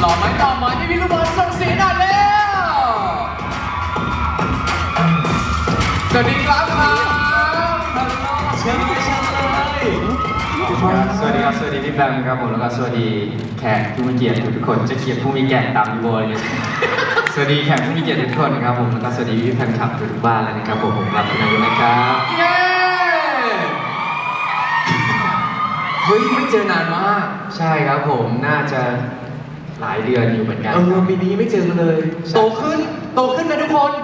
ต่อไหมพี่ลูกบอลส่งเสียงหน่อยเร็วสวัสดีครับเชิญเลยสวัสดีครับ สวัสดีพี่แบมครับผมแล้วก็สวัสดีแขกผู้มีเกียรติทุกคนจะเขียนผู้มีแก่ตามพี่บอยเลยสวัสดีแขกผู้มีเกียรติทุกคนนะครับผมแล้วก็สวัสดีพี่แฟนคลับทุกบ้านแล้วนะครับผมรับคุณอายุนะครับเย้เฮ้ยไม่เจอนานมากใช่ครับผมน่าจะหลายเดือนอยู่เหมือนกันปีนี้ไม่เจอกันเลยโตขึ้นนะทุกคน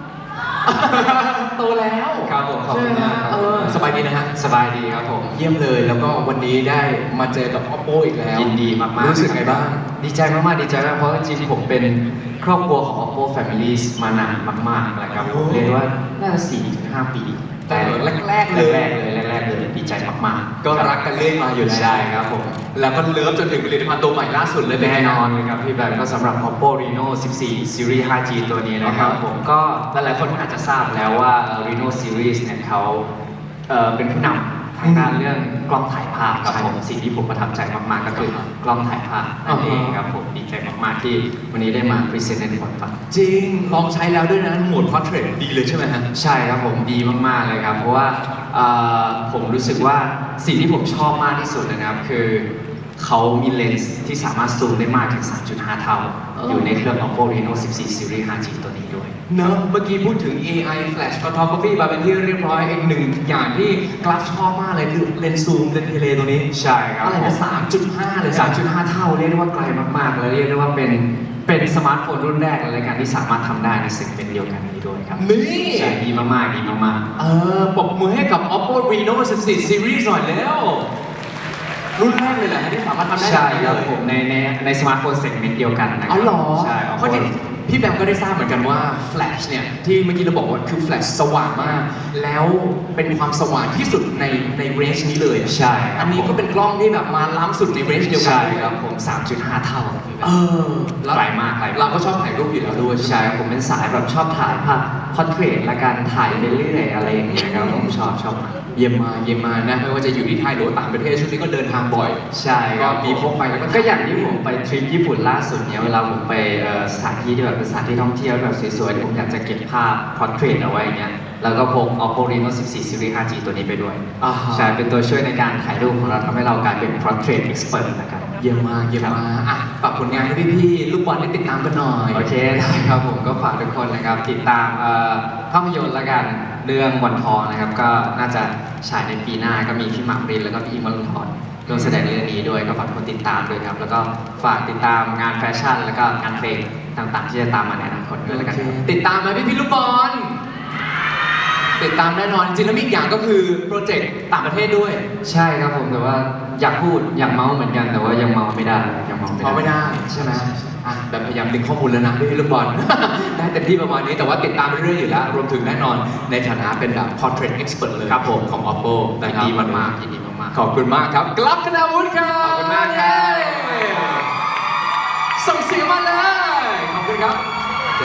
โตแล้วครับผมขอบคุณมากครับสบายดีนะฮะสบายดีครับผมเยี่ยมเลยแล้วก็วันนี้ได้มาเจอกับ Oppo อีกแล้วยินดีมากๆรู้สึกไงบ้างดีใจมากๆดีใจมากเพราะจริงๆผมเป็นครอบครัวของ Oppo Family มานานมากๆนะครับผมเรียกว่าน่าจะ 4-5 ปีแต่แรกๆเลยดีใจมากๆก็รักกันเรื่อยมาอยู่แล้วใช่ครับผมแล้วก็เลิฟจนถึงผลิตภัณฑ์ตัวใหม่ล่าสุดเลยแน่นอนเลยครับพี่แบงก็สำหรับ Oppo Reno 14 Series 5G ตัวนี้นะครับผมก็หลายๆคนอาจจะทราบแล้วว่า Reno Series เนี่ยเขาเป็นผู้นำทางด้านเรื่องกล้องถ่ายภาพครับผมสิ่งที่ผมประทับใจมากๆก็คือกล้องถ่ายภาพนั่นเองครับผมดีใจมากๆที่วันนี้ได้มาพรีเซนต์ในบทบาทจริงลองใช้แล้วด้วยนะโหมด Portrait ดีเลยใช่ไหมฮะใช่ครับผมดีมากๆเลยครับเพราะว่าผมรู้สึกว่าสิ่งที่ผมชอบมากที่สุดนะครับคือเขามีเลนส์ที่สามารถซูมได้มากถึง 3.5 เท่าอยู่ในเครื่อง Oppo Reno 14 Series 5G ตัวนี้ด้วยเนอะเมื่อกี้พูดถึง AI Flash Photography มาเป็นที่เรียบร้อยอีกหนึ่งอย่างที่กราฟชอบมากเลยคือเลนส์ซูมเลนส์เทเลตัวนี้ใช่ครับอะไรนะ 3.5 เลย 3.5 เท่าเรียกได้ว่าไกลมากๆและเรียกได้ว่าเป็นสมาร์ทโฟนรุ่นแรกเลยกันที่สามารถทำได้ในเซกเมนต์เดียวกันนี้ด้วยครับนี่ใช่ดีมากๆดีมากๆปรบมือให้กับ Oppo Reno 14 Series หน่อยแล้วรุ่นแรกเลยแหละที่สามารถทำได้ใช่ครับผมในสมาร์ทโฟนเซกเมนต์เดียวกันนะครับอ๋อเหรอใช่เพราะพี่แบมก็ได้ทราบเหมือนกันว่า Flash เนี่ยที่เมื่อกี้เราบอกว่าคือ Flash สว่างมากแล้วเป็นความสว่างที่สุดในเรนจ์นี้เลยใช่อันนี้ก็เป็นกล้องที่แบบมาล้ำสุดในเรนจ์เดียวกันใช่ครับผม 3.5 เท่าแล้วไกลมากเราก็ชอบถ่ายรูปอยู่แล้วด้วยใช่ผมเป็นสายแบบชอบถ่ายภาพพอร์เทรตและการถ่ายไปเรื่อยๆอะไรอย่างเงี้ยครับผมชอบเยี่ยมมานะไม่ว่าจะอยู่ที่ไทยหรือต่างประเทศช่วงนี้ก็เดินทางบ่อยใช่ก็มีพกไปแล้วก็อย่างที่ผมไปทริปญี่ปุ่นล่าสุดเนี่ยเวลาผมไปสถานที่ที่แบบเป็นสถานที่ท่องเที่ยวแบบสวยๆที่ผมอยากจะเก็บภาพพอร์เทรตเอาไว้เงี้ยแล้วก็พก Oppo Reno 14 Series 5G ตัวนี้ไปด้วยใช่เป็นตัวช่วยในการถ่ายรูปของเราทำให้เรากลายเป็น Portrait Expert นะครับเยี่ยมมากฝากผลงานให้พี่ๆลูกบอลได้ติดตามกันหน่อยโอเคได้ครับผมก็ฝากทุกคนนะครับติดตามภาพยนตร์ละกันเรื่องวันทองนะครับก็น่าจะฉายในปีหน้าก็มีพี่หมากปรินแล้วก็พี่อิมวรุณทรร่วมแสดงในเรื่องนี้ด้วยก็ฝากทุกคนติดตามด้วยครับแล้วก็ฝากติดตามงานแฟชั่นแล้วก็งานเพลงต่างๆที่จะตามมาในอนาคตด้วยแล้วกันติดตามไหมพี่ลูกบอลติดตามแน่นอนจริงแล้วมีอีกอย่างก็คือโปรเจกต์ต่างประเทศด้วยใช่ครับผมแต่ว่าอยากพูดอยากเมาเหมือนกันแต่ว่ายังเมาไม่ได้ใช่ไหมแบบพยายามดึงข้อมูลแล้วนะพี่ลูกบอลได้เต็มที่ประมาณนี้แต่ว่าติดตามเรื่อยๆอยู่แล้วรวมถึงแน่นอนในฐานะเป็นแบบ portrait expert เลยครับผมของ Oppo ดีมากๆยินดีมากๆขอบคุณมากครับกลับคณาวุฒิครับขอบคุณมากครับส่งเสียงมาเลยขอบคุณครับ